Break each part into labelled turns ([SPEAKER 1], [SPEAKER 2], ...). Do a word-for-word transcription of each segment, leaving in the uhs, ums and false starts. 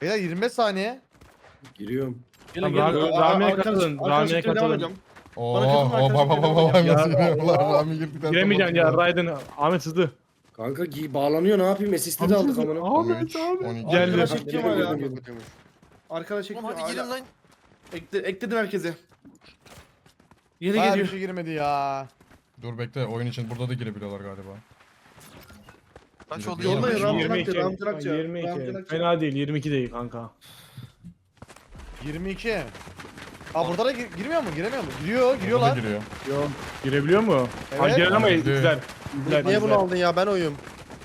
[SPEAKER 1] Beyler yirmi beş saniye.
[SPEAKER 2] Giriyorum.
[SPEAKER 3] Gelin
[SPEAKER 4] Tamam,
[SPEAKER 3] gelin.
[SPEAKER 4] Rami-
[SPEAKER 3] Aa,
[SPEAKER 4] Rami'ye
[SPEAKER 3] arkadaş-
[SPEAKER 4] katılın,
[SPEAKER 3] arkadaş
[SPEAKER 4] Rami'ye
[SPEAKER 3] çekmeye devam
[SPEAKER 4] katılın.
[SPEAKER 3] edeceğim.
[SPEAKER 5] Oo,
[SPEAKER 3] Bana katılın,
[SPEAKER 5] o
[SPEAKER 3] arkadaşlar,
[SPEAKER 5] baba
[SPEAKER 3] devam
[SPEAKER 5] baba
[SPEAKER 3] edeceğim.
[SPEAKER 5] nasıl
[SPEAKER 4] Ya,
[SPEAKER 5] giriyorlar?
[SPEAKER 4] Allah.
[SPEAKER 5] Rami girdikten
[SPEAKER 4] Giremeyeceksin ya
[SPEAKER 5] sonra-
[SPEAKER 4] Raiden. Ahmet hızlı.
[SPEAKER 2] Kanka giy bağlanıyor ne yapayım? Assist'i de aldık amına.
[SPEAKER 5] on
[SPEAKER 4] Ahmet
[SPEAKER 5] üç,
[SPEAKER 4] abi.
[SPEAKER 5] on iki.
[SPEAKER 4] Geldi.
[SPEAKER 3] Arkadaş çekeceğim hala.
[SPEAKER 2] Girdim, girdim.
[SPEAKER 3] Arkadaş çekeceğim.
[SPEAKER 6] Oğlum hadi
[SPEAKER 3] hala.
[SPEAKER 6] girin lan.
[SPEAKER 3] Ekle, ekledim herkese. Yeni
[SPEAKER 1] Hayır bir
[SPEAKER 3] geliyor.
[SPEAKER 1] şey girmedi ya.
[SPEAKER 5] Dur bekle, oyun için burada da girebiliyorlar galiba.
[SPEAKER 6] Kaç oldu?
[SPEAKER 2] Yolla
[SPEAKER 6] yirmi beş
[SPEAKER 2] ya,
[SPEAKER 6] mi?
[SPEAKER 2] Ram-
[SPEAKER 4] yirmi iki.
[SPEAKER 2] Ram- Ram- Ram-
[SPEAKER 4] yirmi iki.
[SPEAKER 2] Ram-
[SPEAKER 4] Fena değil, yirmi iki değil kanka.
[SPEAKER 1] yirmi iki. Aa burada da gir- girmiyor mu? Giremiyor mu? Giriyor,
[SPEAKER 5] Burada da
[SPEAKER 1] giriyorlar.
[SPEAKER 5] giriyor.
[SPEAKER 4] Yok. Girebiliyor mu?
[SPEAKER 1] Evet.
[SPEAKER 4] Ha giren ama
[SPEAKER 5] Girdi.
[SPEAKER 4] izler. İzler,
[SPEAKER 7] Niye bunu
[SPEAKER 4] izler.
[SPEAKER 7] aldın ya ben oyum.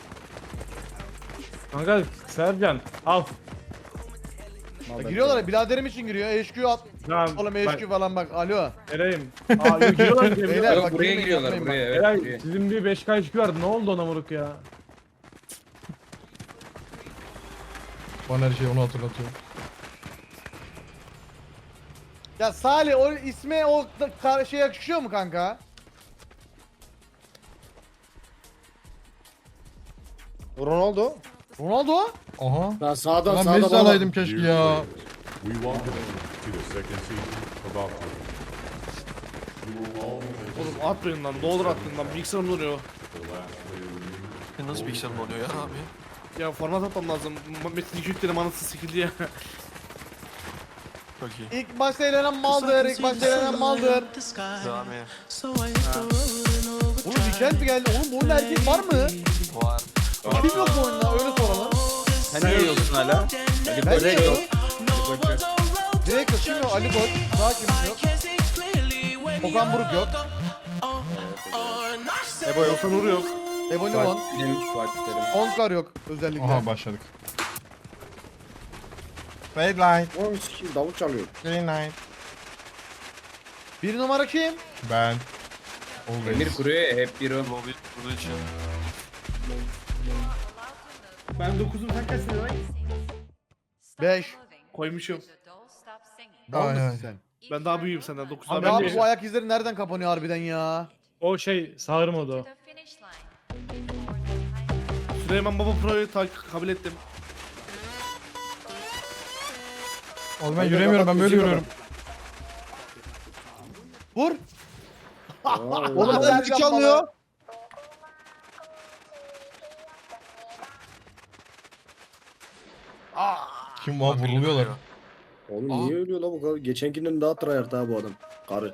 [SPEAKER 4] Kanka Sercan al.
[SPEAKER 1] Ya giriyorlar. Biraderim için giriyor. H Q at.
[SPEAKER 4] Tamam.
[SPEAKER 1] Oğlum H Q falan bak. Alo.
[SPEAKER 4] Vereyim. Aa yok giriyorlar
[SPEAKER 1] Beyler
[SPEAKER 4] giriyorlar.
[SPEAKER 1] bak
[SPEAKER 8] buraya
[SPEAKER 1] girmeyin,
[SPEAKER 8] giriyorlar
[SPEAKER 1] yapmayın
[SPEAKER 8] buraya
[SPEAKER 1] bak.
[SPEAKER 8] evet.
[SPEAKER 4] Eray
[SPEAKER 8] buraya.
[SPEAKER 4] sizin bir beş K H Q vardı. Ne oldu ona moruk ya?
[SPEAKER 5] Bana her şey onu hatırlatıyor.
[SPEAKER 1] Ya Salih o isme o da- kar- şey yakışıyor mu kanka?
[SPEAKER 7] Ronaldo.
[SPEAKER 1] Ronaldo?
[SPEAKER 5] Aha.
[SPEAKER 2] Lan sağdan
[SPEAKER 5] Lan
[SPEAKER 2] sağdan
[SPEAKER 5] Messi
[SPEAKER 2] bağlan.
[SPEAKER 5] alaydım keşke ya.
[SPEAKER 9] We welcome you to the second season of Outlaw.
[SPEAKER 3] Oğlum atmayın lan. Ne olur atmayın lan. Bilgisayarım donuyor.
[SPEAKER 6] E, Nasıl bilgisayarım oluyor ya abi?
[SPEAKER 3] Ya format atmam lazım. M- Metin iki yükledim anasını sikildi ya.
[SPEAKER 6] Çok iyi.
[SPEAKER 1] İlk başta elenen maldır. İlk başta elenen maldır.
[SPEAKER 6] Rami.
[SPEAKER 1] Oğlum weekend mi geldi? Oğlum bu oyunda erkek var mı?
[SPEAKER 6] Var.
[SPEAKER 1] Kim yok bu oyunda? Öyle soralım.
[SPEAKER 8] Sen ne yiyorsun hala?
[SPEAKER 1] Ben de yok. Direkt yok. Kim yok? Ali Koç. Daha kim yok? Okan Buruk yok.
[SPEAKER 3] Ebo yoksa Nuri yok.
[SPEAKER 1] Ebony Von.
[SPEAKER 8] Benim Fatih Terim.
[SPEAKER 1] Onkar yok özellikle.
[SPEAKER 5] Aha başladık. Red light,
[SPEAKER 2] Oğlum sikeyim, davul çalıyor.
[SPEAKER 5] green light.
[SPEAKER 1] Bir numara kim?
[SPEAKER 5] Ben.
[SPEAKER 8] Emir
[SPEAKER 5] Always.
[SPEAKER 8] kuruyor ya hep bir o.
[SPEAKER 6] Lobby burada için.
[SPEAKER 3] Ben dokuzum sen kaçsın lan?
[SPEAKER 1] Beş.
[SPEAKER 3] Koymuşum.
[SPEAKER 1] Mal
[SPEAKER 5] Ay,
[SPEAKER 1] mısın
[SPEAKER 5] ay.
[SPEAKER 1] sen?
[SPEAKER 3] Ben daha büyüğüm senden. dokuzdan
[SPEAKER 4] Abi
[SPEAKER 3] ben
[SPEAKER 1] Abi
[SPEAKER 4] de-
[SPEAKER 1] bu ayak izleri nereden kapanıyor harbiden ya?
[SPEAKER 4] O şey sağır modu.
[SPEAKER 3] Süleyman Baba Pro'yu tak- kabul ettim.
[SPEAKER 5] Oğlum ben yürüyemiyorum, ben böyle yürüyorum.
[SPEAKER 1] Vur.
[SPEAKER 7] Oğlum
[SPEAKER 1] Aa,
[SPEAKER 7] ben müzik çalmıyor.
[SPEAKER 5] Kim var vuruluyorlar.
[SPEAKER 2] Oğlum
[SPEAKER 6] Aa.
[SPEAKER 2] niye ölüyor la bu kadar? Geçenkinden daha tryhard ha bu adam. Karı.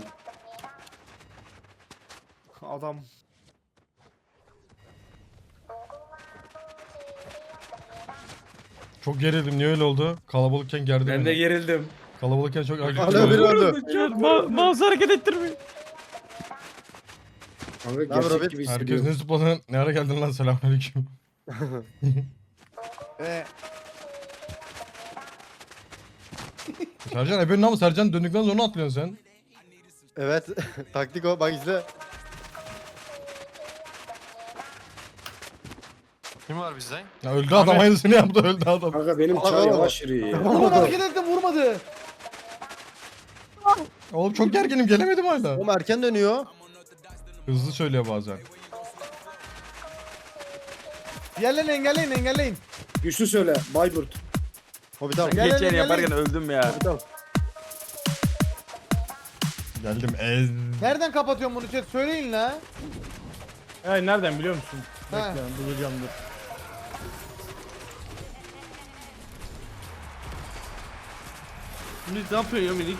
[SPEAKER 3] Adam.
[SPEAKER 5] Çok gerildim, niye öyle oldu? Kalabalıkken gerdi
[SPEAKER 8] Ben
[SPEAKER 5] beni.
[SPEAKER 8] de gerildim.
[SPEAKER 5] Kalabalıkken çok agresif.
[SPEAKER 7] Hala biri öldü.
[SPEAKER 4] Ma mouse hareket ettirmeyin.
[SPEAKER 2] Kanka
[SPEAKER 7] haber
[SPEAKER 2] gerçek
[SPEAKER 7] Robert?
[SPEAKER 2] gibi
[SPEAKER 5] Herkes
[SPEAKER 2] hissediyorum.
[SPEAKER 5] ne zıpladın? Ne ara geldin lan, selamünaleyküm.
[SPEAKER 1] Ee,
[SPEAKER 5] Sercan ebenin ama Sercan döndükten sonra atlıyorsun sen.
[SPEAKER 7] Evet. Taktik o. Bak izle.
[SPEAKER 6] Kim var bizden?
[SPEAKER 5] Ya öldü adam, aynısını yaptı, öldü adam.
[SPEAKER 2] Kanka benim
[SPEAKER 7] Aa,
[SPEAKER 2] çay
[SPEAKER 7] aa.
[SPEAKER 2] yavaş yürüyor ya.
[SPEAKER 1] Oğlum hareket etti vurmadı.
[SPEAKER 5] Oğlum çok gerginim, gelemedim hala.
[SPEAKER 7] Oğlum erken dönüyor.
[SPEAKER 5] Hızlı söylüyor bazen.
[SPEAKER 1] Diğerlerini engelleyin engelleyin.
[SPEAKER 2] Güçlü söyle. Bayburt.
[SPEAKER 7] Hobbit al.
[SPEAKER 1] Gel,
[SPEAKER 8] Geçen
[SPEAKER 1] gel,
[SPEAKER 8] yaparken
[SPEAKER 1] gel.
[SPEAKER 8] öldüm ya.
[SPEAKER 7] Hobbit al.
[SPEAKER 5] Geldim ez.
[SPEAKER 1] Nereden kapatıyorum bunu chat söyleyin la.
[SPEAKER 4] Hey nereden biliyor musun?
[SPEAKER 1] Ha.
[SPEAKER 4] Bekle bulacağım dur.
[SPEAKER 3] Minik ne yapıyor ya minik?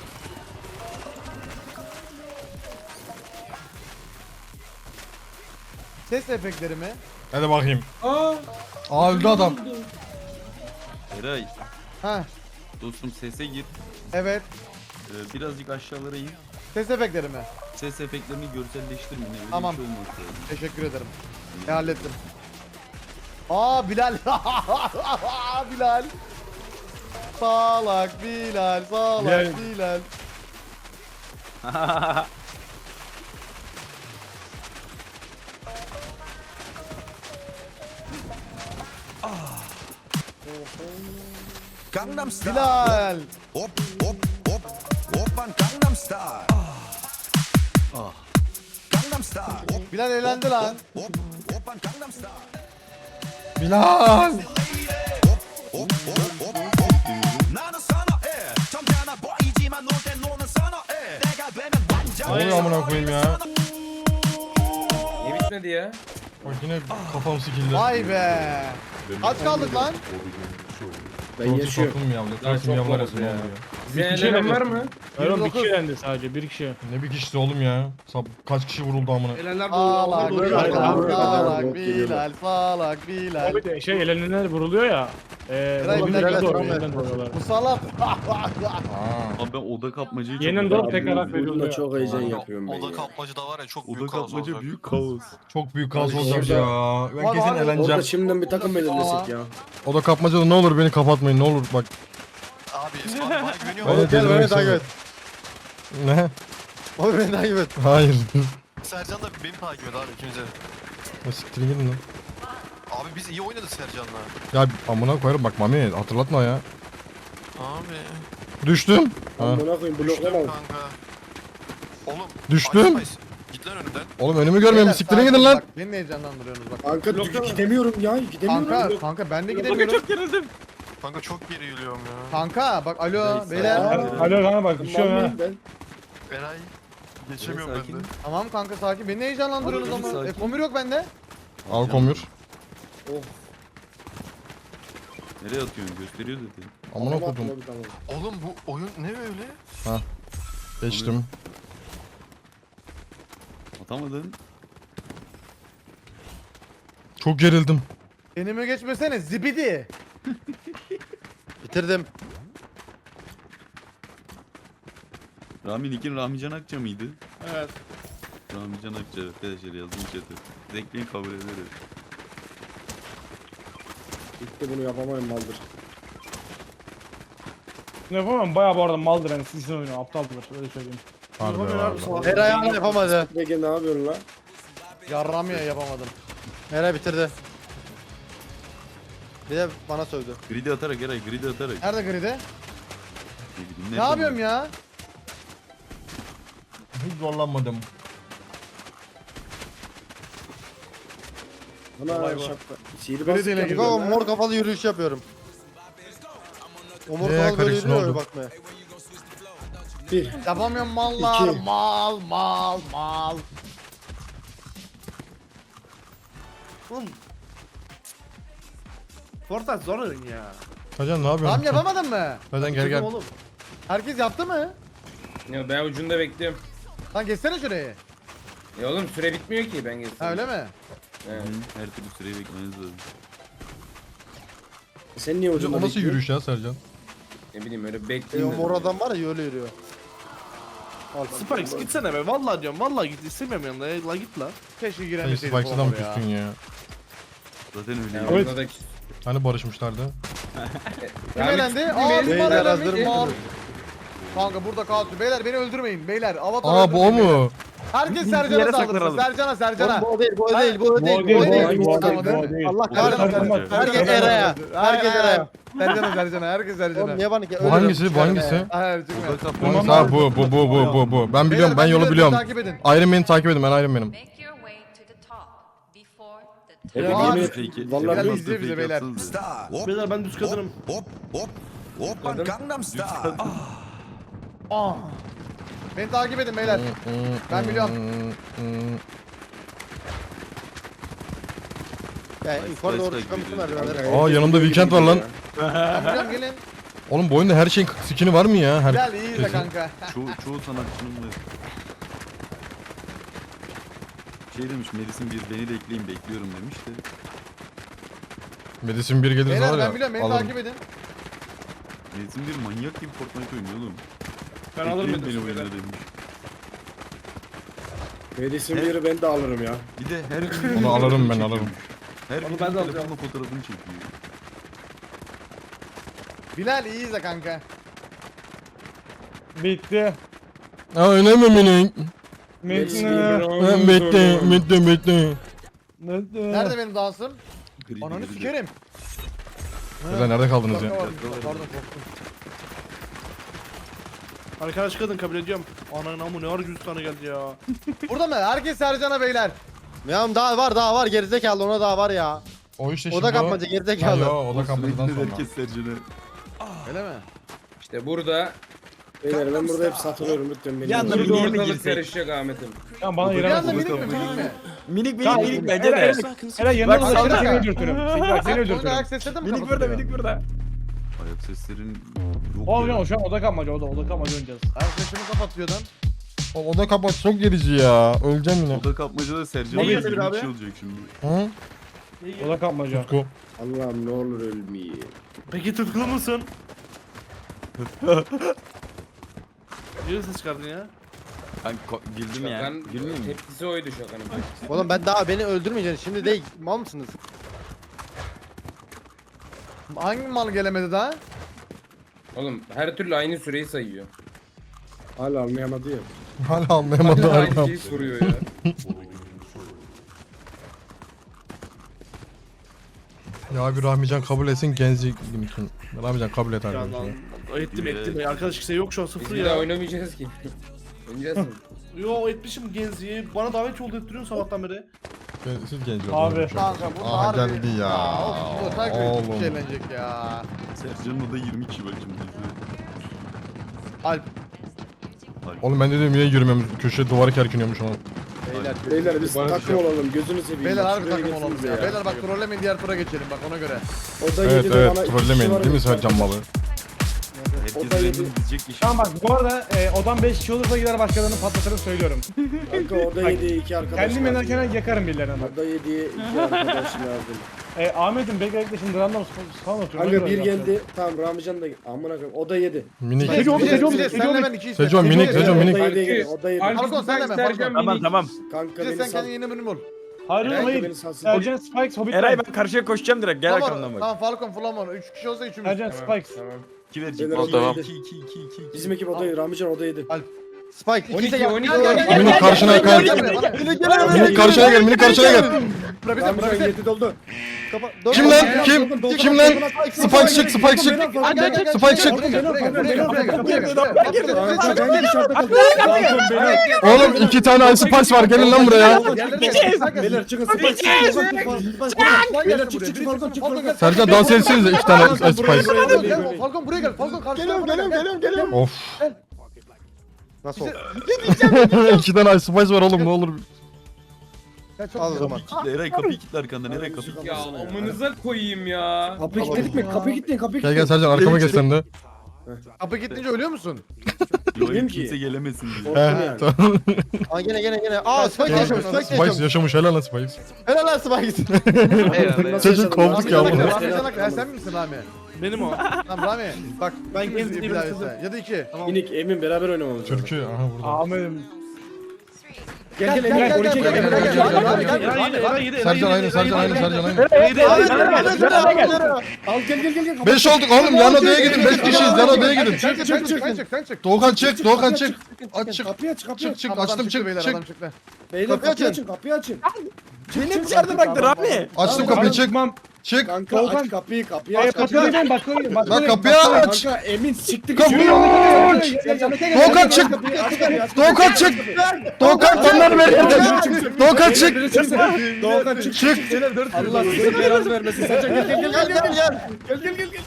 [SPEAKER 1] Ses efektleri mi?
[SPEAKER 5] Hadi bakayım. Aa öldü adam.
[SPEAKER 10] Eray,
[SPEAKER 1] Ha
[SPEAKER 10] dostum sese gir.
[SPEAKER 1] evet.
[SPEAKER 10] Ee, birazcık aşağılara in.
[SPEAKER 1] Ses efektleri mi?
[SPEAKER 10] Ses efektlerini görselleştirme. Ne öyle
[SPEAKER 1] Tamam.
[SPEAKER 10] bir şey olmaz yani.
[SPEAKER 1] Teşekkür ederim. E, hallettim. Aa Bilal. Bilal. Salak Bilal, salak
[SPEAKER 4] Bilal.
[SPEAKER 1] Bilal.
[SPEAKER 11] Gangnam Style.
[SPEAKER 1] Bilal.
[SPEAKER 11] Op, op, op, Oppan Gangnam Style. Gangnam Style. Op,
[SPEAKER 1] Bilal eğlendi lan.
[SPEAKER 11] op, Oppan Gangnam Style.
[SPEAKER 5] Bilal.
[SPEAKER 11] Op, op, op, op,
[SPEAKER 5] oluyor amına koyayım ya?
[SPEAKER 8] Niye bitmedi ya?
[SPEAKER 5] Bak yine kafam sikildi.
[SPEAKER 7] Vay be. Kaç kaldık lan?
[SPEAKER 2] Ben
[SPEAKER 5] Tortu
[SPEAKER 2] yaşıyorum.
[SPEAKER 5] soktum ya.
[SPEAKER 8] Daha
[SPEAKER 5] Tortum
[SPEAKER 8] çok
[SPEAKER 5] yavlamasın
[SPEAKER 8] var
[SPEAKER 5] ne
[SPEAKER 8] ya.
[SPEAKER 5] oluyor?
[SPEAKER 8] Bize
[SPEAKER 4] Bir kişi
[SPEAKER 8] elenen
[SPEAKER 4] elendi.
[SPEAKER 8] var mı?
[SPEAKER 4] Hayır bir
[SPEAKER 7] yirmi dokuz.
[SPEAKER 4] kişi elendi sadece bir kişi.
[SPEAKER 5] Ne bir kişisi oğlum ya? Sab kaç kişi vuruldu amına?
[SPEAKER 3] Elenler doğru.
[SPEAKER 7] Salak
[SPEAKER 3] Allah doğru.
[SPEAKER 2] Bilal,
[SPEAKER 7] Bilal,
[SPEAKER 2] Bilal,
[SPEAKER 7] salak
[SPEAKER 2] Bilal.
[SPEAKER 7] Bilal, salak Bilal.
[SPEAKER 4] O bir de şey elenenler vuruluyor ya. Eee
[SPEAKER 7] Eray,
[SPEAKER 4] bu
[SPEAKER 7] Bilal,
[SPEAKER 4] yeniden
[SPEAKER 7] Bilal,
[SPEAKER 4] doğru
[SPEAKER 7] Bilal.
[SPEAKER 4] yeniden doğruyorlar.
[SPEAKER 7] Bu salak.
[SPEAKER 5] Aa.
[SPEAKER 10] Abi ben oda kapmacayı çok
[SPEAKER 4] Yeniden
[SPEAKER 10] merak
[SPEAKER 4] doğru tekrar hak
[SPEAKER 2] Burada
[SPEAKER 4] veriliyor.
[SPEAKER 2] çok heyecan
[SPEAKER 6] Kanka,
[SPEAKER 2] yapıyorum ben
[SPEAKER 6] Oda
[SPEAKER 2] ya.
[SPEAKER 6] kapmacı da var ya çok
[SPEAKER 10] Oda
[SPEAKER 6] büyük kaos
[SPEAKER 10] kapmaca
[SPEAKER 6] olacak.
[SPEAKER 10] büyük kaos.
[SPEAKER 5] Çok büyük kaos
[SPEAKER 2] Abi
[SPEAKER 5] olacak
[SPEAKER 2] orada-
[SPEAKER 5] ya. Ben
[SPEAKER 7] Var,
[SPEAKER 5] kesin
[SPEAKER 7] var.
[SPEAKER 5] eleneceğim.
[SPEAKER 2] Orada şimdiden bir takım belirlesek ya.
[SPEAKER 5] O da kapmacada ne olur beni kapatmayın ne olur bak.
[SPEAKER 6] Abi İsmail bana güveniyor
[SPEAKER 5] Beni
[SPEAKER 6] musun?
[SPEAKER 7] Gel beni
[SPEAKER 5] delirmek
[SPEAKER 7] takip et.
[SPEAKER 5] Ne?
[SPEAKER 7] Abi beni takip et.
[SPEAKER 5] Hayır.
[SPEAKER 6] Sercan da beni takip et abi ikimize.
[SPEAKER 5] Ya siktirin gidin lan.
[SPEAKER 6] Abi biz iyi oynadık Sercan'la.
[SPEAKER 5] Ya amına koyarım bak Mami hatırlatma ya.
[SPEAKER 6] Abi.
[SPEAKER 5] Düştüm. Ha.
[SPEAKER 2] Amına koyayım
[SPEAKER 6] Düştüm
[SPEAKER 2] bloklama.
[SPEAKER 6] kanka. Oğlum.
[SPEAKER 5] Düştüm.
[SPEAKER 6] açmayız. Git lan önümden.
[SPEAKER 5] Oğlum önümü görmüyorum
[SPEAKER 7] Beyler,
[SPEAKER 5] siktirin
[SPEAKER 7] sakin
[SPEAKER 5] gidin lan.
[SPEAKER 7] bak, beni de heyecanlandırıyorsunuz bak.
[SPEAKER 2] Kanka
[SPEAKER 3] Bloklama.
[SPEAKER 2] gidemiyorum ya gidemiyorum.
[SPEAKER 7] Kanka, kanka ben de
[SPEAKER 4] Bakın
[SPEAKER 7] gidemiyorum.
[SPEAKER 4] çok gerildim.
[SPEAKER 6] Kanka çok geri yürüyorum ya.
[SPEAKER 7] Kanka bak alo
[SPEAKER 10] Neyse.
[SPEAKER 7] beyler.
[SPEAKER 2] Aa.
[SPEAKER 4] Alo lan bak düşüyorum ha.
[SPEAKER 2] Ben, ben
[SPEAKER 6] Eray. Geçemiyorum
[SPEAKER 10] Evet,
[SPEAKER 6] ben de.
[SPEAKER 10] sakin.
[SPEAKER 7] Tamam kanka sakin. Beni de heyecanlandırıyorsunuz
[SPEAKER 10] Sakin,
[SPEAKER 7] ama. E
[SPEAKER 10] sakin.
[SPEAKER 7] komür yok bende.
[SPEAKER 5] Al komür.
[SPEAKER 10] Nereye atıyorsun? Gösteriyor zaten.
[SPEAKER 5] Amına
[SPEAKER 2] Tamam,
[SPEAKER 5] koydum.
[SPEAKER 2] tamam, tamam.
[SPEAKER 6] Oğlum bu oyun ne böyle?
[SPEAKER 5] Geçtim.
[SPEAKER 10] Atamadın.
[SPEAKER 5] Çok gerildim.
[SPEAKER 7] Önüme geçmesene zibidi. Bitirdim.
[SPEAKER 10] Rami Nick'in Ramican Akça mıydı?
[SPEAKER 3] Evet.
[SPEAKER 10] Ramican Akça arkadaşlar yazdım chat'e. Zekleyin kabul ederiz.
[SPEAKER 2] Bitti bunu yapamayın maldır.
[SPEAKER 4] Ne yapamam bayağı bu arada maldır yani sizin oyunu aptaldır öyle söyleyeyim.
[SPEAKER 5] Harbi
[SPEAKER 3] Yapamıyor
[SPEAKER 5] ya.
[SPEAKER 3] abi, salak.
[SPEAKER 7] Eray hala yapamadı.
[SPEAKER 2] Peki ne yapıyorsun lan?
[SPEAKER 7] Yarram ya yapamadım. Eray bitirdi. Bir de bana sövdü.
[SPEAKER 10] Gridi atarak Eray gridi atarak.
[SPEAKER 7] Nerede gride?
[SPEAKER 10] Ne, bileyim,
[SPEAKER 7] Ne yapıyorum ya?
[SPEAKER 5] Hiç zorlanmadım.
[SPEAKER 2] Bana şapka. Sihirbaz
[SPEAKER 7] Gridiyle
[SPEAKER 2] yapıyor
[SPEAKER 7] gidiyor.
[SPEAKER 2] lan.
[SPEAKER 7] Mor kafalı yürüyüş yapıyorum. O mor
[SPEAKER 5] Ee,
[SPEAKER 7] kafalı böyle
[SPEAKER 5] karışsın
[SPEAKER 7] yürüyor
[SPEAKER 5] oldu.
[SPEAKER 7] bakmaya.
[SPEAKER 2] Bir.
[SPEAKER 7] Yapamıyorum mallar.
[SPEAKER 2] İki.
[SPEAKER 7] Mal mal mal.
[SPEAKER 3] Oğlum. Fortnite zor oyun ya.
[SPEAKER 5] Kacan ne
[SPEAKER 7] Tamam
[SPEAKER 5] yapıyorsun?
[SPEAKER 7] yapamadın mı?
[SPEAKER 5] Kacan gel gel.
[SPEAKER 3] Oğlum.
[SPEAKER 7] Herkes yaptı mı?
[SPEAKER 8] Ya ben ucunda bekliyorum.
[SPEAKER 7] Lan geçsene şurayı.
[SPEAKER 8] Ya oğlum süre bitmiyor ki ben geçsem.
[SPEAKER 7] Ha öyle mi?
[SPEAKER 8] Evet.
[SPEAKER 10] Hı, her türlü süreyi beklemeniz lazım.
[SPEAKER 2] Sen niye
[SPEAKER 5] O
[SPEAKER 2] ucunda
[SPEAKER 5] nasıl
[SPEAKER 2] bekliyorsun?
[SPEAKER 5] yürüyüş ya Sercan?
[SPEAKER 8] Ne bileyim öyle
[SPEAKER 7] E, o
[SPEAKER 8] bekliyorum.
[SPEAKER 7] mor adam var ya öyle yürüyor. Al,
[SPEAKER 3] Spikes gitsene be. Vallahi diyorum. Vallahi git. İstemiyorum yanında. Ya, la git la.
[SPEAKER 7] Keşke
[SPEAKER 5] Sen
[SPEAKER 7] giremeseydim.
[SPEAKER 5] Spikes'dan mı
[SPEAKER 7] bu ya.
[SPEAKER 5] küstün ya?
[SPEAKER 10] Zaten öyle.
[SPEAKER 8] Ya
[SPEAKER 10] ya.
[SPEAKER 4] Evet.
[SPEAKER 8] onda da
[SPEAKER 5] Hani barışmışlardı?
[SPEAKER 7] Kim
[SPEAKER 8] Rahmet
[SPEAKER 7] elendi?
[SPEAKER 8] küstü
[SPEAKER 7] Aa
[SPEAKER 8] beni.
[SPEAKER 7] Mimar
[SPEAKER 2] Beyler
[SPEAKER 7] elenmiş.
[SPEAKER 2] hazır
[SPEAKER 7] Mal.
[SPEAKER 2] mısınız?
[SPEAKER 7] Kanka burada kalsın. Beyler beni öldürmeyin. Beyler avatar
[SPEAKER 5] Aa bu o
[SPEAKER 7] öldürmeyin beyler.
[SPEAKER 5] mu?
[SPEAKER 7] Herkes
[SPEAKER 3] Yere
[SPEAKER 7] Sercan'a saldırsın.
[SPEAKER 3] saklanalım.
[SPEAKER 7] Sercan'a Sercan'a.
[SPEAKER 2] Bu o değil, bu o
[SPEAKER 7] Ha,
[SPEAKER 2] değil, bu o
[SPEAKER 4] Bu
[SPEAKER 2] değil,
[SPEAKER 4] o
[SPEAKER 2] bu
[SPEAKER 4] değil,
[SPEAKER 2] o
[SPEAKER 4] bu o
[SPEAKER 2] değil.
[SPEAKER 4] değil, bu o değil,
[SPEAKER 7] Tamam,
[SPEAKER 4] bu o değil.
[SPEAKER 7] Allah
[SPEAKER 4] Sercan,
[SPEAKER 7] kahretsin.
[SPEAKER 4] Sercan,
[SPEAKER 7] Herkes
[SPEAKER 4] Sercan.
[SPEAKER 7] Eray'a. Herkes
[SPEAKER 3] Aynen.
[SPEAKER 7] Eray'a. Sercan'a Sercan'a. Herkes Sercan'a.
[SPEAKER 2] Oğlum niye bana ki?
[SPEAKER 5] Bu hangisi? Bu hangisi?
[SPEAKER 7] Hayır çıkma.
[SPEAKER 10] Oda kapmaca.
[SPEAKER 5] Bu hangisi? Ha bu bu bu bu bu bu. Ben biliyorum ben yolu biliyorum.
[SPEAKER 7] Takip edin.
[SPEAKER 5] Iron Man'i takip edin ben Iron Man'im.
[SPEAKER 12] Make your way to the top before the
[SPEAKER 2] Ya,
[SPEAKER 7] Aa,
[SPEAKER 2] yemin-
[SPEAKER 10] Peki.
[SPEAKER 2] Vallahi
[SPEAKER 7] Beyler
[SPEAKER 10] Yapmaz
[SPEAKER 7] izliyor
[SPEAKER 10] da
[SPEAKER 7] bizi
[SPEAKER 10] fake
[SPEAKER 7] beyler.
[SPEAKER 10] yapsanıza.
[SPEAKER 11] Star. Hop,
[SPEAKER 3] Beyler ben düz kadınım.
[SPEAKER 11] hop, hop. Hoppan Gangnam Style.
[SPEAKER 7] Aa. Beni takip edin beyler. Ben biliyorum.
[SPEAKER 2] Ya yukarı doğru
[SPEAKER 10] Spikes
[SPEAKER 2] çıkamışsın
[SPEAKER 10] takip
[SPEAKER 2] merdivenlere.
[SPEAKER 5] Aa yanımda Weekend var lan.
[SPEAKER 7] Ben biliyorum gelin.
[SPEAKER 5] Oğlum bu oyunda her şeyin skin'i var mı ya? Her
[SPEAKER 7] Gel iyiyiz de
[SPEAKER 5] kesin.
[SPEAKER 7] kanka.
[SPEAKER 10] Çoğu, çoğu sanatçının da. Şey demiş Melis'in bir beni de ekleyin bekliyorum demiş de.
[SPEAKER 5] Medicine bir gelirse
[SPEAKER 7] Beyler
[SPEAKER 5] var ya.
[SPEAKER 7] ben biliyorum beni
[SPEAKER 5] alırım.
[SPEAKER 7] takip edin.
[SPEAKER 10] Melis'in bir manyak gibi Fortnite oynuyor oğlum.
[SPEAKER 3] Ben alırım
[SPEAKER 10] Ekleyin beni
[SPEAKER 3] dedim.
[SPEAKER 10] oyuna demiş.
[SPEAKER 2] Medicine biri ben de alırım ya.
[SPEAKER 10] Bir de her gün
[SPEAKER 5] Onu alırım ben,
[SPEAKER 10] çekiyormuş.
[SPEAKER 5] alırım.
[SPEAKER 10] Her
[SPEAKER 3] Onu
[SPEAKER 10] gün
[SPEAKER 3] ben de alacağım.
[SPEAKER 10] telefonla fotoğrafını çekiyor.
[SPEAKER 7] Bilal iyiyiz de kanka.
[SPEAKER 4] Bitti.
[SPEAKER 5] Aa öyle mi minik?
[SPEAKER 4] Bitti.
[SPEAKER 5] Ha, Bitti bitti bitti.
[SPEAKER 7] Nerede benim dansım?
[SPEAKER 10] Gridi,
[SPEAKER 7] Ananı
[SPEAKER 10] gridi.
[SPEAKER 7] sikerim.
[SPEAKER 5] Sizler nerede kaldınız ya?
[SPEAKER 7] Pardon korktum.
[SPEAKER 3] Arkadaş kadın kabul ediyorum. Ananın amı ne var yüz tane geldi ya.
[SPEAKER 7] Burada mı? Herkes Sercan'a beyler.
[SPEAKER 2] Ya daha var daha var gerizekalı ona daha var ya.
[SPEAKER 5] O işte
[SPEAKER 2] O
[SPEAKER 5] şimdi
[SPEAKER 2] da
[SPEAKER 5] o.
[SPEAKER 2] kapmaca
[SPEAKER 5] Ha,
[SPEAKER 2] gerizekalı.
[SPEAKER 5] yo, o da kapmacadan
[SPEAKER 10] Sürekli
[SPEAKER 5] sonra.
[SPEAKER 10] herkes Sercan'a.
[SPEAKER 7] Öyle mi?
[SPEAKER 8] İşte burada
[SPEAKER 2] Beyler ben burada hep satılıyorum lütfen beni.
[SPEAKER 11] Ya
[SPEAKER 8] Burada
[SPEAKER 11] dur, niye mi
[SPEAKER 8] ortalık
[SPEAKER 11] girsek?
[SPEAKER 8] karışacak Ahmet'im.
[SPEAKER 4] Tamam bana
[SPEAKER 7] Bir anda
[SPEAKER 4] yaramaz.
[SPEAKER 7] minik mi minik mi?
[SPEAKER 11] Minik
[SPEAKER 4] Tamam,
[SPEAKER 11] minik minik bence de.
[SPEAKER 4] Eray yanına
[SPEAKER 7] Bak,
[SPEAKER 4] bak
[SPEAKER 7] saldır
[SPEAKER 4] seni
[SPEAKER 7] ya.
[SPEAKER 4] öldürtürüm. Seni bak seni
[SPEAKER 7] Onun
[SPEAKER 4] öldürtürüm.
[SPEAKER 7] ayak sesleri de mi
[SPEAKER 11] Minik
[SPEAKER 7] kapatıyor?
[SPEAKER 11] burada minik burada.
[SPEAKER 10] Ayak seslerin yok
[SPEAKER 4] Oğlum
[SPEAKER 10] ya.
[SPEAKER 4] ya şu an oda kalmaca oda oda kalmaca oynayacağız.
[SPEAKER 7] Ayak sesini kapatıyor lan.
[SPEAKER 5] O, o da kapat çok gerici ya. Öleceğim yine.
[SPEAKER 10] Oda kapmacada Sercan
[SPEAKER 3] Ne
[SPEAKER 10] yirmi
[SPEAKER 3] getirir abi?
[SPEAKER 10] kişi olacak şimdi.
[SPEAKER 5] Hı?
[SPEAKER 4] Oda kalmaca.
[SPEAKER 5] Tutku.
[SPEAKER 2] Allah'ım ne olur ölmeyeyim.
[SPEAKER 3] Peki tutkulu musun? Niye ses çıkardın ya?
[SPEAKER 10] Ben ko- girdim ya.
[SPEAKER 8] Şokan
[SPEAKER 10] Girmiyor mu?
[SPEAKER 8] tepkisi oydu Şokan'ın tepkisi.
[SPEAKER 2] Oğlum ben daha beni öldürmeyeceksin şimdi değil. Mal mısınız?
[SPEAKER 7] Hangi mal gelemedi daha?
[SPEAKER 8] Oğlum her türlü aynı süreyi sayıyor.
[SPEAKER 2] Hala anlayamadı ya.
[SPEAKER 5] Hala anlayamadım.
[SPEAKER 8] Hala aynı
[SPEAKER 5] harbiden.
[SPEAKER 8] şeyi soruyor ya.
[SPEAKER 5] Ya bir Rahmican kabul etsin Genzi limitini. Rahmican kabul et
[SPEAKER 3] Ya
[SPEAKER 5] arkadaşlar.
[SPEAKER 3] lan ettim ettim. Ya. Arkadaş kimse yok şu an sıfır
[SPEAKER 8] Biz bir daha
[SPEAKER 3] ya.
[SPEAKER 8] oynamayacağız ki. Oynayacağız mı?
[SPEAKER 3] Yo etmişim Genzi'yi. Bana davet yolda ettiriyorsun sabahtan beri.
[SPEAKER 5] Gen- Siz Genzi
[SPEAKER 4] Abi.
[SPEAKER 5] oldunuz.
[SPEAKER 7] Kanka bu
[SPEAKER 5] Aha
[SPEAKER 7] harbi.
[SPEAKER 5] geldi ya.
[SPEAKER 7] Of, bu takip
[SPEAKER 5] Oğlum.
[SPEAKER 7] bir şey eğlenecek ya.
[SPEAKER 10] Sercan'ın oda yirmi kişi var şimdi.
[SPEAKER 7] Alp.
[SPEAKER 5] Oğlum ben de diyorum niye yürümüyorum köşeye duvarı kerkiniyormuş ona.
[SPEAKER 2] Beyler, beyler biz takım olalım gözünü seveyim.
[SPEAKER 7] Beyler
[SPEAKER 2] Bak,
[SPEAKER 7] harbi
[SPEAKER 2] şuraya
[SPEAKER 7] takım
[SPEAKER 2] getirin
[SPEAKER 7] olalım
[SPEAKER 2] bize
[SPEAKER 7] ya. Beyler bak trollemeyin diğer tura geçelim bak ona göre.
[SPEAKER 2] O da
[SPEAKER 5] Evet
[SPEAKER 2] yedi de
[SPEAKER 5] evet
[SPEAKER 2] bana iki
[SPEAKER 5] trollemeyin
[SPEAKER 2] kişi var
[SPEAKER 5] değil mi
[SPEAKER 2] ya,
[SPEAKER 5] Sercan
[SPEAKER 2] fark
[SPEAKER 5] malı?
[SPEAKER 10] Herkes
[SPEAKER 2] O da yedi.
[SPEAKER 10] random diyecek kişi.
[SPEAKER 4] Tamam bak bu arada e, odan beş kişi olursa gider başkalarını patlatırım söylüyorum.
[SPEAKER 2] Kanka o da yedi iki arkadaş.
[SPEAKER 4] Kendim
[SPEAKER 2] lazım.
[SPEAKER 4] yanarken yakarım birilerine bak.
[SPEAKER 2] O da yedi iki arkadaş lazım.
[SPEAKER 4] E, Ahmet'im bekle bekle şimdi random spawn atıyorum.
[SPEAKER 2] Kanka bir geldi. Tamam Ramican da amına koyayım. O da yedi.
[SPEAKER 5] Minik.
[SPEAKER 4] Seco,
[SPEAKER 7] Bir de-
[SPEAKER 4] Seco,
[SPEAKER 7] bir de
[SPEAKER 4] Seco,
[SPEAKER 7] senle ben iki istedim.
[SPEAKER 5] Seco, minik, Seco,
[SPEAKER 2] O
[SPEAKER 5] minik.
[SPEAKER 2] da yedi. O da yedi.
[SPEAKER 7] Falcon sen de ben Falcon.
[SPEAKER 11] Tamam tamam.
[SPEAKER 2] Kanka
[SPEAKER 7] Bir de
[SPEAKER 2] beni
[SPEAKER 7] sen
[SPEAKER 2] sal.
[SPEAKER 7] kendin yeni bölüm ol.
[SPEAKER 4] Hayır
[SPEAKER 2] Kanka
[SPEAKER 4] hayır.
[SPEAKER 2] beni salsın.
[SPEAKER 4] Sercan Spikes Hobbit.
[SPEAKER 11] Eray ben karşıya koşacağım direkt. Gel
[SPEAKER 7] Tamam,
[SPEAKER 11] arkamdan bak.
[SPEAKER 7] tamam Falcon Flamon. üç kişi olsa üçümüz.
[SPEAKER 4] Sercan Spikes.
[SPEAKER 8] Tamam.
[SPEAKER 10] İki verecek.
[SPEAKER 2] Beyler,
[SPEAKER 10] iki,
[SPEAKER 2] o da
[SPEAKER 10] iki,
[SPEAKER 2] yedi.
[SPEAKER 10] iki, iki, iki, iki.
[SPEAKER 2] Bizim ekip o da yedi. Ramican o da yedi. Spike.
[SPEAKER 8] on
[SPEAKER 2] ikisi
[SPEAKER 8] iki
[SPEAKER 2] de
[SPEAKER 8] on iki
[SPEAKER 2] gel, gel, gel, gel.
[SPEAKER 5] Minik karşına gel. Minik karşına gel. Minik karşına gel.
[SPEAKER 2] Ramican yedi doldu. Kapa. Dur.
[SPEAKER 5] Kim lan?
[SPEAKER 2] Doldu,
[SPEAKER 5] Kim?
[SPEAKER 2] doldu, doldu,
[SPEAKER 5] Kim
[SPEAKER 2] doldu,
[SPEAKER 5] lan?
[SPEAKER 2] doldu.
[SPEAKER 5] Spike çık, Spike çık.
[SPEAKER 2] Gel, gel, gel, gel.
[SPEAKER 5] Spike çık.
[SPEAKER 2] Buraya gel, buraya gel, buraya gel, buraya gel, buraya gel.
[SPEAKER 7] Buraya gel.
[SPEAKER 2] Ben dışarıda kaldım.
[SPEAKER 5] Oğlum iki tane Ice Spice var gelin lan buraya.
[SPEAKER 2] Beyler çıkın. Spike çık. Beyler çık çık. Falcon çık. Falcon gel.
[SPEAKER 5] Sercan dans etsenize iki tane Ice Spice.
[SPEAKER 7] Falcon gel. Falcon buraya gel. Falcon karşıya.
[SPEAKER 2] Geliyorum geliyorum geliyorum geliyorum.
[SPEAKER 5] Of.
[SPEAKER 2] Nasıl?
[SPEAKER 5] iki tane Ice Spice var oğlum ne olur.
[SPEAKER 2] Al o zaman.
[SPEAKER 10] Kitle, Eray kapıyı kitle arkandan. Eray kapıyı kitle.
[SPEAKER 8] Ya amınıza koyayım ya.
[SPEAKER 2] Kapıyı kilitledik mi? Kapıyı kilitleyin. Kapıyı
[SPEAKER 5] Gel gel Sercan arkama geç sen de.
[SPEAKER 7] Kapı gittince ölüyor musun?
[SPEAKER 10] Yok
[SPEAKER 2] Bilmiyorum ki.
[SPEAKER 10] kimse gelemesin diye.
[SPEAKER 5] He tamam.
[SPEAKER 2] Aa gene gene gene. Aa Spike yaşamış. Spike
[SPEAKER 5] Spice
[SPEAKER 2] yaşamış.
[SPEAKER 5] yaşamış helal lan Spice.
[SPEAKER 2] Helal lan Spike.
[SPEAKER 5] Çocuk kovduk ya
[SPEAKER 7] Rami
[SPEAKER 5] bunu.
[SPEAKER 7] Rami Canak, ha sen misin Rami?
[SPEAKER 3] Benim o.
[SPEAKER 7] Tamam Rami. Bak
[SPEAKER 3] Ben
[SPEAKER 7] ikimiz
[SPEAKER 3] Genzi'yi
[SPEAKER 7] bir daha
[SPEAKER 3] biraz
[SPEAKER 7] ise. Ya da iki.
[SPEAKER 2] Minik Emin beraber oynamamız lazım.
[SPEAKER 5] Türkiye aha burada.
[SPEAKER 4] Ahmet'im.
[SPEAKER 2] Gel gel
[SPEAKER 7] Gel,
[SPEAKER 2] Emin.
[SPEAKER 7] gel,
[SPEAKER 2] on iki
[SPEAKER 7] gel,
[SPEAKER 2] gel
[SPEAKER 7] gel,
[SPEAKER 2] gel
[SPEAKER 7] gel,
[SPEAKER 2] gel.
[SPEAKER 7] gel,
[SPEAKER 2] Rami,
[SPEAKER 7] gel,
[SPEAKER 2] gel.
[SPEAKER 7] gel.
[SPEAKER 3] Eray yedi, Eray yedi, Eray
[SPEAKER 5] Sercan
[SPEAKER 3] yedi,
[SPEAKER 5] aynı
[SPEAKER 3] Eray
[SPEAKER 5] Sercan
[SPEAKER 3] yedi,
[SPEAKER 5] aynı
[SPEAKER 3] Eray
[SPEAKER 5] Sercan
[SPEAKER 3] yedi.
[SPEAKER 5] aynı.
[SPEAKER 3] Yedi, Eray yedi, Eray yedi.
[SPEAKER 2] Al gel gel gel gel.
[SPEAKER 5] Beş olduk oğlum yan odaya gidin beş kişiyiz yan odaya gidin.
[SPEAKER 7] Sen çık, sen çık, sen çık, sen çık.
[SPEAKER 5] Doğukan çık Doğukan çık. Aç çık.
[SPEAKER 2] Kapıyı aç kapıyı
[SPEAKER 5] Çık
[SPEAKER 2] aç.
[SPEAKER 5] çık
[SPEAKER 7] Adam
[SPEAKER 5] açtım
[SPEAKER 7] çıktı
[SPEAKER 5] çık
[SPEAKER 7] beyler,
[SPEAKER 5] çık.
[SPEAKER 7] adam çıktı.
[SPEAKER 2] Beyler
[SPEAKER 5] Kapıyı
[SPEAKER 2] kapıyı
[SPEAKER 5] açın.
[SPEAKER 2] açın kapıyı açın.
[SPEAKER 11] Beni dışarıda bıraktı Rami.
[SPEAKER 5] Açtım kapıyı çık.
[SPEAKER 4] Çıkmam.
[SPEAKER 5] Çık.
[SPEAKER 2] Kanka aç kapıyı kapıyı
[SPEAKER 4] Ay
[SPEAKER 2] aç.
[SPEAKER 4] kapıyı açmayın bakıyorum.
[SPEAKER 5] Lan kapıyı aç.
[SPEAKER 2] Kanka Emin siktir.
[SPEAKER 5] Kapıyı aç. Doğukan çık. Doğukan çık. Doğukan onları ver. Doğukan çık.
[SPEAKER 2] Doğukan çık.
[SPEAKER 5] Çık.
[SPEAKER 2] Allah size belanı vermesin. Sercan gel gel gel gel gel. Gel gel gel gel.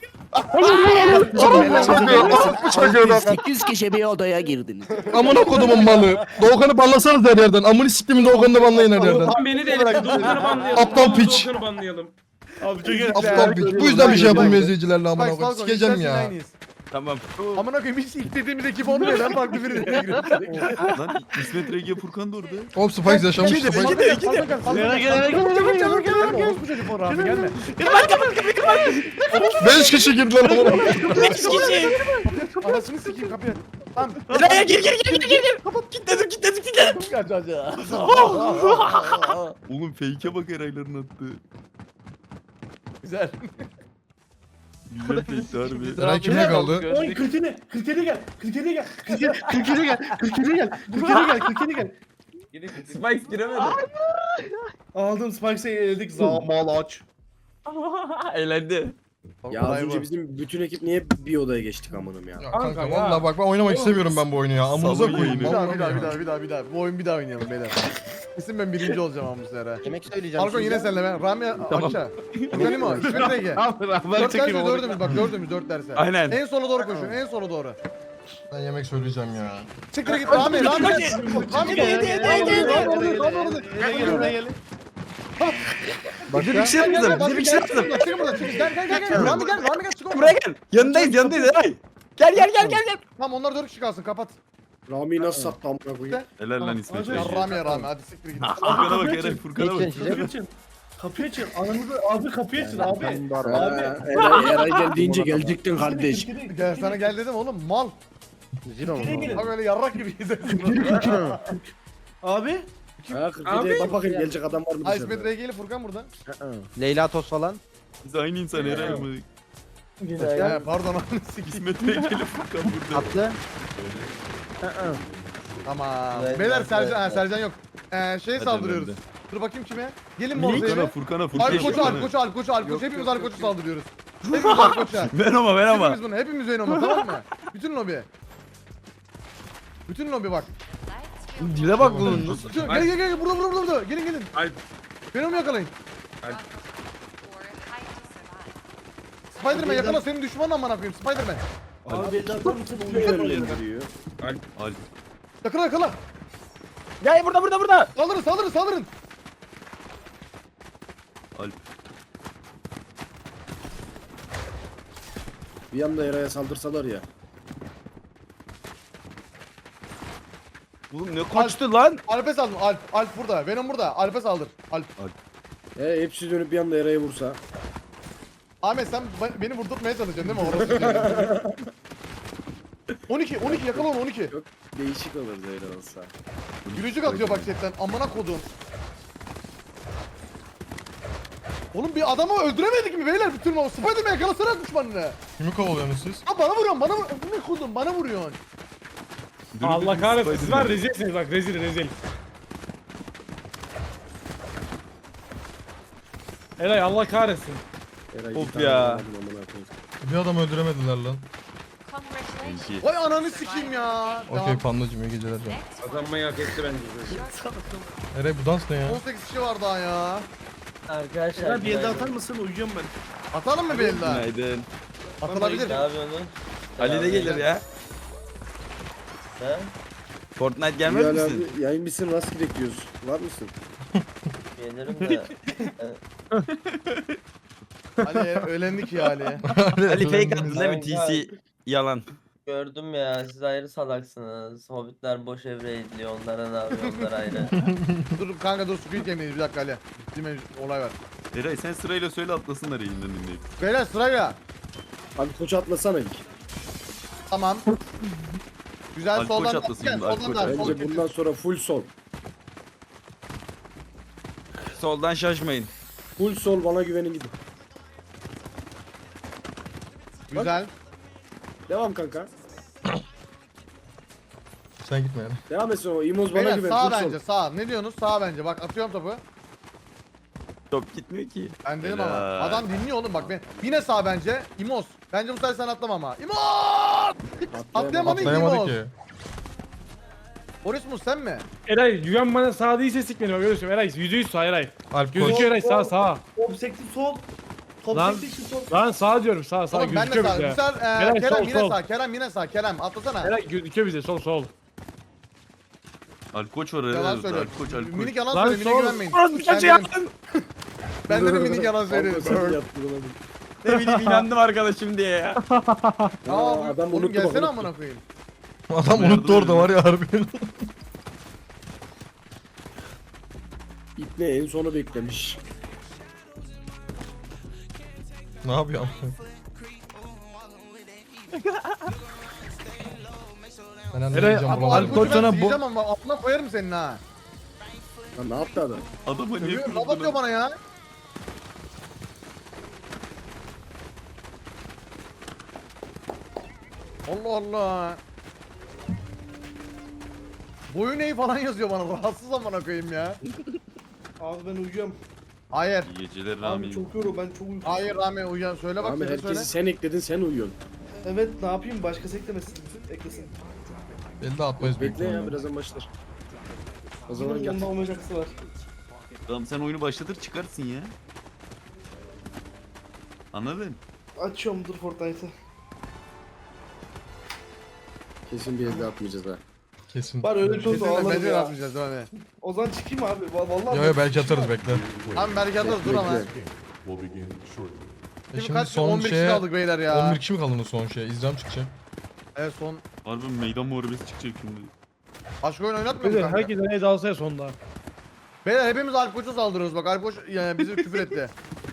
[SPEAKER 11] sekiz kişi bir odaya girdiniz.
[SPEAKER 5] Amına kodumun malı. Doğukan'ı banlasanız her yerden. Amını siktimin Doğukan'ı da banlayın her yerden.
[SPEAKER 8] Tam beni de elektrik Doğukan'ı banlayalım.
[SPEAKER 5] Aptal piç.
[SPEAKER 8] Doğukan'ı banlayalım.
[SPEAKER 3] Abi çok iyi.
[SPEAKER 5] Aptal piç. Bu yüzden bir şey yapılmıyor izleyicilerle amına
[SPEAKER 7] Spike,
[SPEAKER 5] koyayım.
[SPEAKER 7] Falcon,
[SPEAKER 5] Sikeceğim
[SPEAKER 7] istersen
[SPEAKER 5] ya.
[SPEAKER 7] aynıyız.
[SPEAKER 11] Tamam.
[SPEAKER 7] Amına koyayım hiç ilk dediğimiz ekip olmuyor lan farklı biri de giriyor.
[SPEAKER 10] Lan İsmet Rege Furkan da orada.
[SPEAKER 5] Hop Spikes yaşamış Spikes.
[SPEAKER 7] Falcon gel, Falcon gel, Falcon
[SPEAKER 3] Eray
[SPEAKER 7] gel.
[SPEAKER 3] gel, Eray gel.
[SPEAKER 7] Çabuk çabuk gel. Gelme orospu çocuğu bu Rami gelme.
[SPEAKER 5] Beş kişi girdiler amına koyayım.
[SPEAKER 11] beş kişi.
[SPEAKER 7] Anasını sikeyim kapıyı. Tamam.
[SPEAKER 11] Eray'a gir gir gir gir gir. Kilitledim kilitledim kilitledim.
[SPEAKER 7] Kaç kaç ya.
[SPEAKER 10] Oğlum fake'e bak Eray'ların attığı.
[SPEAKER 7] Güzel.
[SPEAKER 10] Güzel fake'ti harbi.
[SPEAKER 5] Eray kimle kaldı?
[SPEAKER 3] Oy kırkene, kırkene gel, kırkene gel, kırkene kırkene gel, kırkene gel, kırkene gel, kırkene gel.
[SPEAKER 11] Spikes giremedi.
[SPEAKER 3] Aldım Spikes'e eledik zamal aç.
[SPEAKER 11] Eğlendi.
[SPEAKER 2] Ya az önce bizim bütün ekip niye bir odaya geçtik amanım ya.
[SPEAKER 5] Ya kanka valla bak ben oynamak istemiyorum ben bu oyunu ya. Amınıza
[SPEAKER 10] Salı
[SPEAKER 5] koyayım.
[SPEAKER 7] Bir daha
[SPEAKER 5] vallahi
[SPEAKER 7] bir daha
[SPEAKER 5] ya.
[SPEAKER 7] bir daha bir daha bir daha. Bu oyun bir daha oynayalım beyler. Kesin ben birinci olacağım ama bu sefer.
[SPEAKER 2] Yemek söyleyeceğim.
[SPEAKER 7] Falcon yine senle ben. Rami aşağı. Benim o. İsmet Ege.
[SPEAKER 3] Ben
[SPEAKER 7] Dört
[SPEAKER 3] çekeyim
[SPEAKER 7] derse
[SPEAKER 3] onu.
[SPEAKER 7] dördümüz bak dördümüz dört derse.
[SPEAKER 11] Aynen.
[SPEAKER 7] En sola doğru koşun en sola doğru.
[SPEAKER 5] Ben yemek söyleyeceğim ya.
[SPEAKER 7] Siktir git Rami Rami. Rami gel.
[SPEAKER 3] Yedi, yedi,
[SPEAKER 7] Rami
[SPEAKER 3] yedi,
[SPEAKER 7] gel.
[SPEAKER 3] yedi,
[SPEAKER 7] Rami orada.
[SPEAKER 3] Gel gel gel.
[SPEAKER 2] Başka?
[SPEAKER 5] Bir şey yapmadım. Bir şey yapmadım.
[SPEAKER 7] Çıkın buradan çıkın. Gel gel gel. gel. Rami gel. Rami gel. Çıkın
[SPEAKER 5] Buraya gel. Yanındayız yanındayız Eray. Gel gel gel gel gel.
[SPEAKER 7] Tamam onlar dört kişi kalsın kapat.
[SPEAKER 2] Rami'yi nasıl sattı amına koyayım?
[SPEAKER 10] Helal lan İsmet
[SPEAKER 7] Ya
[SPEAKER 10] Bey.
[SPEAKER 7] Rami ya Rami hadi siktir git.
[SPEAKER 10] Furkan'a bak Eray Furkan'a bak.
[SPEAKER 3] Kapıyı açın. Kapıyı açın. Ananızı abi kapıyı açın abi. Abi.
[SPEAKER 2] Eray, Eray gel deyince gelecektin kardeş.
[SPEAKER 7] Gel sana gel dedim oğlum mal.
[SPEAKER 3] Nereye gelin?
[SPEAKER 7] Bak öyle yarrak gibi izledin.
[SPEAKER 3] Abi.
[SPEAKER 2] Ha kırk yediye bak bakayım gelecek adam var mı
[SPEAKER 7] Ha
[SPEAKER 2] dışarıda?
[SPEAKER 7] İsmet R G'li Furkan burada.
[SPEAKER 2] Leyla Toz falan.
[SPEAKER 10] Biz aynı insan Eray mı?
[SPEAKER 7] He pardon ananı sikeyim.
[SPEAKER 10] İsmet Bey gelip Furkan burada.
[SPEAKER 2] Atlı.
[SPEAKER 7] Tamam. Beyler Sercan, ha, Sercan yok. Ee, şeye
[SPEAKER 10] Hadi
[SPEAKER 7] saldırıyoruz.
[SPEAKER 10] ben de.
[SPEAKER 7] Dur bakayım kime? Gelin
[SPEAKER 10] Furkan'a
[SPEAKER 7] Morze'ye.
[SPEAKER 10] Furkan'a Furkan'a.
[SPEAKER 7] Alp koçu, Alp koçu, Alp koçu, Alp koçu. Hepimiz Alp koçu saldırıyoruz. Hepimiz Alp koçu.
[SPEAKER 10] Ver ama ver ama.
[SPEAKER 7] Hepimiz bunu, hepimiz Venom'a tamam mı? Bütün lobi. Bütün lobi bak.
[SPEAKER 12] Lights will
[SPEAKER 5] Dile bak bunun.
[SPEAKER 7] Bütün, gel gel gel burada burada burada. Gelin gelin.
[SPEAKER 8] Alp.
[SPEAKER 7] Venom'u yakalayın.
[SPEAKER 12] or hide to survive.
[SPEAKER 7] Spiderman yakala senin düşmanın amına koyayım. Spiderman.
[SPEAKER 3] Abi belli atar mısın? Uyuyamıyorum.
[SPEAKER 10] Alp.
[SPEAKER 7] Yakala yakala.
[SPEAKER 5] Gel burada burada burada.
[SPEAKER 7] Saldırın saldırın saldırın.
[SPEAKER 10] Alp.
[SPEAKER 2] Bir anda Eray'a saldırsalar ya.
[SPEAKER 5] Oğlum ne kaçtı lan?
[SPEAKER 7] Alp'e saldır. Alp. Alp burada. Venom burada. Alp'e saldır. Alp.
[SPEAKER 2] He hepsi dönüp bir anda Eray'a vursa.
[SPEAKER 7] Ahmet sen be- beni vurdurtmaya çalışıyorsun değil mi? Orası. on iki on iki yakala onu on iki.
[SPEAKER 2] Değişik olur Zeyra olsa.
[SPEAKER 7] Gülücük atıyor bak chatten. Amına kodum. Oğlum bir adamı öldüremedik mi beyler bütün o Spiderman yakalasana düşmanını.
[SPEAKER 5] Kimi kovalıyorsunuz siz?
[SPEAKER 7] Ha bana vuruyorsun bana vur. Amına kodum bana vuruyorsun.
[SPEAKER 4] Allah kahretsin. Siz var rezilsiniz bak rezil rezil. Eray Allah kahretsin.
[SPEAKER 2] Eray
[SPEAKER 5] Of
[SPEAKER 2] bir tane
[SPEAKER 5] ya.
[SPEAKER 2] vuramadım amına koyayım.
[SPEAKER 5] Bir adam öldüremediler lan.
[SPEAKER 12] Congratulations.
[SPEAKER 10] İki.
[SPEAKER 7] Vay ananı sikeyim ya.
[SPEAKER 5] Okey pandacım iyi geceler canım.
[SPEAKER 8] Kazanmayı hak etti bence.
[SPEAKER 5] Eray bu dans ne ya?
[SPEAKER 7] on sekiz kişi var daha ya.
[SPEAKER 3] Arkadaşlar bir elde atar mısın? Uyuyorum ben.
[SPEAKER 7] Atalım mı bir el daha?
[SPEAKER 5] Günaydın.
[SPEAKER 7] Atılabilir.
[SPEAKER 5] Ali de gelir ya. Fortnite gelmez
[SPEAKER 2] Bilal
[SPEAKER 5] misin?
[SPEAKER 2] abi yayın bitsin rast gidiyoruz. Var mısın?
[SPEAKER 13] Gelirim de.
[SPEAKER 7] Ali öğlendik ya Ali.
[SPEAKER 5] Ali fake attın değil mi?
[SPEAKER 13] Kanka.
[SPEAKER 5] T C yalan.
[SPEAKER 13] Gördüm ya siz ayrı salaksınız. Hobbitler boş evre ediliyor onlara ne yapıyor onlar ayrı.
[SPEAKER 7] Dur kanka dur Squid Game'deyiz bir dakika Ali. Değil mi olay var.
[SPEAKER 10] Eray sen sırayla söyle atlasınlar yayından dinleyip.
[SPEAKER 7] Beyler sırayla.
[SPEAKER 2] Abi koçu atlasana ilk.
[SPEAKER 7] Tamam. Güzel
[SPEAKER 10] Alkol
[SPEAKER 7] soldan
[SPEAKER 10] çatlasın
[SPEAKER 7] gel.
[SPEAKER 10] bunda, alkol
[SPEAKER 7] Soldan da. Sol.
[SPEAKER 2] Bence bundan sonra full sol.
[SPEAKER 5] Soldan şaşmayın.
[SPEAKER 2] Full sol bana güvenin gidin.
[SPEAKER 7] Güzel.
[SPEAKER 2] Devam kanka.
[SPEAKER 5] Sen gitme yani.
[SPEAKER 2] Devam etsin o. İmoz bana
[SPEAKER 7] Beyler
[SPEAKER 2] güven.
[SPEAKER 7] sağ
[SPEAKER 2] full sol.
[SPEAKER 7] bence sağ. Ne diyorsunuz? Sağ bence. Bak atıyorum topu.
[SPEAKER 5] Top gitmiyor ki.
[SPEAKER 7] Ben dedim ama.
[SPEAKER 10] Helal.
[SPEAKER 7] Adam dinliyor oğlum bak ben. Yine sağ bence. İmos. Bence bu sefer sen atlama ama. İmos! Atlayamadı ki
[SPEAKER 5] Atlayamadı
[SPEAKER 7] İmos.
[SPEAKER 5] ki.
[SPEAKER 7] Boris mu sen mi?
[SPEAKER 4] Eray güven bana sağ değilse sik beni bak öyle söylüyorum. Eray yüzde yüz sağ Eray.
[SPEAKER 5] Alp koş.
[SPEAKER 4] Gözüküyor Eray sağ sağ.
[SPEAKER 3] Top sekti sol. Top
[SPEAKER 4] Lan.
[SPEAKER 3] sekti sol.
[SPEAKER 4] Lan sağ diyorum sağ sağ
[SPEAKER 7] Oğlum ben de
[SPEAKER 4] gözüküyor
[SPEAKER 7] sağ.
[SPEAKER 4] bize.
[SPEAKER 7] Güzel. Ee,
[SPEAKER 4] Eray,
[SPEAKER 7] Kerem
[SPEAKER 4] sol,
[SPEAKER 7] yine
[SPEAKER 4] sol.
[SPEAKER 7] sağ. Kerem yine sağ. Kerem atlasana.
[SPEAKER 4] Eray gözüküyor bize sol sol.
[SPEAKER 10] Alp koç var Eray.
[SPEAKER 7] Yalan
[SPEAKER 10] Alp
[SPEAKER 7] söylüyorum.
[SPEAKER 10] koç Alp koç.
[SPEAKER 7] Minik yalan
[SPEAKER 4] Lan
[SPEAKER 7] söylüyor. Minik
[SPEAKER 4] sol.
[SPEAKER 7] güvenmeyin.
[SPEAKER 5] Orası bir
[SPEAKER 7] Ben
[SPEAKER 5] şey
[SPEAKER 7] dedim-
[SPEAKER 5] yaptın.
[SPEAKER 7] Ben dedim minik yalan
[SPEAKER 2] Kanka sen
[SPEAKER 7] söylüyor.
[SPEAKER 2] yaptın oğlum.
[SPEAKER 5] Ne bileyim inandım arkadaşım diye ya.
[SPEAKER 7] Aa,
[SPEAKER 2] Aa, adam
[SPEAKER 7] oğlum
[SPEAKER 2] unuttu bak,
[SPEAKER 7] gelsene
[SPEAKER 2] unuttu.
[SPEAKER 7] amına koyayım.
[SPEAKER 5] Adam unuttu orada var ya harbi.
[SPEAKER 2] İpne en sonu beklemiş.
[SPEAKER 5] Ne yapıyor ama? Ben anlayacağım
[SPEAKER 7] Abi
[SPEAKER 5] buraları.
[SPEAKER 7] alkolü ben
[SPEAKER 4] sana bu-
[SPEAKER 7] diyeceğim ama altına koyarım senin ha.
[SPEAKER 2] Lan ne yaptı adam?
[SPEAKER 10] Adama niye
[SPEAKER 7] Görüyorum laf
[SPEAKER 10] kırdın
[SPEAKER 7] atıyor bana ya. Allah Allah. Boyun eği falan yazıyor bana. Rahatsız amına koyayım ya.
[SPEAKER 3] Abi ben uyuyorum.
[SPEAKER 7] Hayır.
[SPEAKER 10] İyi geceler
[SPEAKER 3] Abi
[SPEAKER 10] Rami.
[SPEAKER 3] çok yoruyorum ben çok uykusuzum.
[SPEAKER 7] Hayır Rami uyan. Söyle bak
[SPEAKER 2] Abi
[SPEAKER 7] söyle
[SPEAKER 2] herkesi
[SPEAKER 7] söyle.
[SPEAKER 2] sen ekledin sen uyuyorsun.
[SPEAKER 3] Evet ne yapayım başkası eklemesin. Eklesin.
[SPEAKER 5] Belli atmayız büyük
[SPEAKER 2] Bekle ya
[SPEAKER 5] ihtimalle.
[SPEAKER 2] birazdan başlar. O zaman
[SPEAKER 3] Bunun
[SPEAKER 2] gel.
[SPEAKER 3] yanında olmayacaksı var.
[SPEAKER 10] Tamam sen oyunu başlatır çıkarsın ya. Anladın?
[SPEAKER 3] Açıyorum dur Fortnite'ı.
[SPEAKER 2] Kesin bir elde atmayacağız ha.
[SPEAKER 5] Kesin.
[SPEAKER 3] Var öyle bir şey olsa
[SPEAKER 7] Kesinlikle
[SPEAKER 3] ağlarım
[SPEAKER 7] medya
[SPEAKER 3] ya.
[SPEAKER 7] atmayacağız değil mi?
[SPEAKER 3] O zaman çıkayım abi. Va- Vallahi.
[SPEAKER 5] Yo yo belki atarız bekle.
[SPEAKER 7] Abi belki atarız dur ama.
[SPEAKER 9] Will begin shortly.
[SPEAKER 5] E
[SPEAKER 7] Şimdi
[SPEAKER 5] şimdi
[SPEAKER 7] kaç
[SPEAKER 5] son
[SPEAKER 7] on bir kişi
[SPEAKER 5] şeye
[SPEAKER 7] kaldık beyler ya.
[SPEAKER 5] on bir kişi mi kaldı son şeye? İzlem çıkacak.
[SPEAKER 7] Evet son.
[SPEAKER 10] Harbi meydan muharebesi çıkacak şimdi.
[SPEAKER 7] Başka oyun oynatmıyor mu
[SPEAKER 4] Beyler
[SPEAKER 7] kanka?
[SPEAKER 4] herkes nereye dalsa ya sonda.
[SPEAKER 7] Beyler hepimiz Alp Koç'a saldırıyoruz bak. Alp Koç yani bizi küfür etti.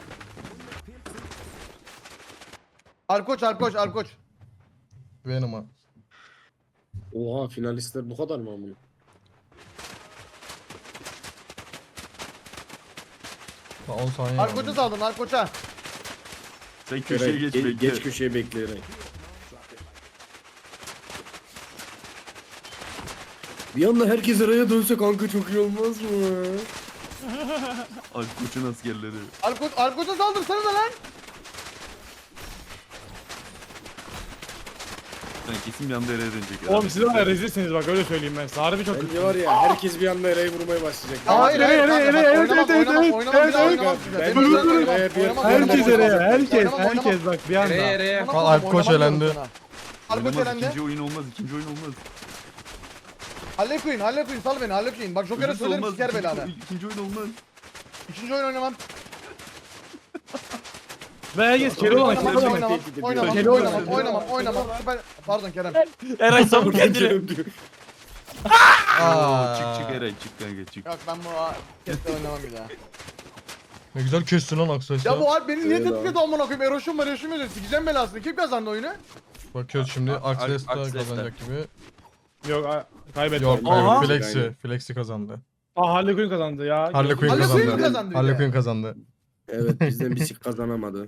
[SPEAKER 7] Alp Koç, Alp Koç, Alp Koç.
[SPEAKER 5] Benim ha.
[SPEAKER 2] Oha finalistler bu kadar mı amına?
[SPEAKER 5] Daha on saniye
[SPEAKER 7] Alp
[SPEAKER 5] var.
[SPEAKER 7] Koç'a saldırın, Alp Koç'a.
[SPEAKER 10] Sen köşeye
[SPEAKER 2] Eray,
[SPEAKER 10] geç
[SPEAKER 2] ge-
[SPEAKER 10] bekle.
[SPEAKER 2] geç köşeye bekleyerek. Bir anda herkes araya dönse kanka çok iyi olmaz mı?
[SPEAKER 10] Alp Koç'un askerleri.
[SPEAKER 7] Alp Koç, Alp Koç'a saldırsanıza lan.
[SPEAKER 10] Ben kesin bir anda Ereğe dönecek ya.
[SPEAKER 4] Oğlum siz var ya rezilsiniz bak öyle söyleyeyim ben size. Harbi çok
[SPEAKER 2] Bence var ya herkes bir anda Eray'ı vurmaya başlayacak.
[SPEAKER 7] Hayır, hayır, hayır, hayır, evet, evet, evet, evet, oynamam, bir daha oynamam size.
[SPEAKER 2] Ben-
[SPEAKER 7] Benim
[SPEAKER 2] Ben-
[SPEAKER 7] oynamam,
[SPEAKER 2] Ben-
[SPEAKER 7] oynamam,
[SPEAKER 4] Herkes
[SPEAKER 7] oynamam,
[SPEAKER 4] nereye?
[SPEAKER 7] oynamam,
[SPEAKER 4] Herkes,
[SPEAKER 7] oynamam,
[SPEAKER 4] herkes
[SPEAKER 7] oynamam.
[SPEAKER 4] bak bir anda.
[SPEAKER 8] Ereye ereye.
[SPEAKER 7] Oynamam,
[SPEAKER 5] Al, Alp Koç
[SPEAKER 7] oynamam
[SPEAKER 5] elendi.
[SPEAKER 7] sana. Alp Koç
[SPEAKER 10] Oynamaz,
[SPEAKER 7] elendi.
[SPEAKER 10] ikinci oyun olmaz, ikinci oyun olmaz.
[SPEAKER 7] Halep Queen, Halep Queen, sal beni, Halep Queen. Bak Joker'e
[SPEAKER 10] Öbürsü
[SPEAKER 7] söylerim
[SPEAKER 10] olmaz,
[SPEAKER 7] siker
[SPEAKER 10] ikinci-
[SPEAKER 7] belanı.
[SPEAKER 10] İkinci oyun olmaz.
[SPEAKER 7] İkinci oyun oynamam.
[SPEAKER 4] Ve herkes kere olan
[SPEAKER 7] Oynamam,
[SPEAKER 4] kere olan.
[SPEAKER 7] oynamam, oynamam,
[SPEAKER 4] Kere olan.
[SPEAKER 7] oynamam, oynamam, oynamam. Ben- Pardon Kerem.
[SPEAKER 4] Eray sabır kendini.
[SPEAKER 5] Aa,
[SPEAKER 10] Çık çık Eray çık kanka çık.
[SPEAKER 7] Yok ben bu keste oynamam bir daha.
[SPEAKER 5] Ne güzel kestin lan Aksay'sa.
[SPEAKER 7] Ya bu Alp beni niye
[SPEAKER 2] Evet
[SPEAKER 7] tehdit
[SPEAKER 2] abi.
[SPEAKER 7] ediyor amına koyayım? Eroşum var, Eroşum var. Sikeceğim belasını. Kim kazandı oyunu?
[SPEAKER 5] Bakıyoruz şimdi Aksay'sa
[SPEAKER 10] Aksay'sa.
[SPEAKER 5] kazanacak gibi.
[SPEAKER 4] Yok a- kaybetti.
[SPEAKER 5] Yok
[SPEAKER 4] Aha.
[SPEAKER 5] kaybet. Flexi. Flexi kazandı.
[SPEAKER 4] Aa Harley Quinn kazandı ya.
[SPEAKER 5] Harley Quinn
[SPEAKER 7] Harley Quinn
[SPEAKER 5] kazandı.
[SPEAKER 7] kazandı bir
[SPEAKER 5] Harley
[SPEAKER 7] de.
[SPEAKER 5] Quinn kazandı.
[SPEAKER 2] Evet bizden bir sik kazanamadı.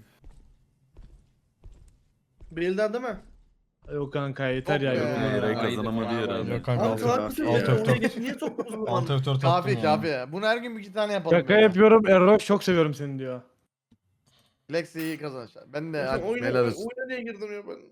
[SPEAKER 3] Bilden değil mi?
[SPEAKER 4] Yok kanka yeter ya.
[SPEAKER 7] Yok be.
[SPEAKER 4] yorulmadım.
[SPEAKER 10] Eray
[SPEAKER 7] Haydi,
[SPEAKER 10] kazanamadı ya
[SPEAKER 7] bravo.
[SPEAKER 10] herhalde.
[SPEAKER 5] Yok kanka
[SPEAKER 3] Abi
[SPEAKER 5] altı
[SPEAKER 3] salak mısın?
[SPEAKER 2] Alt
[SPEAKER 3] ya?
[SPEAKER 5] F dört.
[SPEAKER 3] Oraya geç, niye soktunuz bu
[SPEAKER 5] Alt
[SPEAKER 3] bana?
[SPEAKER 5] F dört
[SPEAKER 7] Kafi
[SPEAKER 5] attım.
[SPEAKER 7] kafi. Bunu her gün bir iki tane yapalım.
[SPEAKER 4] Şaka
[SPEAKER 7] ya.
[SPEAKER 4] yapıyorum. Erroş çok seviyorum seni diyor.
[SPEAKER 7] Lexi iyi kazanır. Ben de
[SPEAKER 3] Sen
[SPEAKER 7] hadi
[SPEAKER 3] oyuna,
[SPEAKER 7] helal olsun.
[SPEAKER 3] oyuna niye girdin ya ben?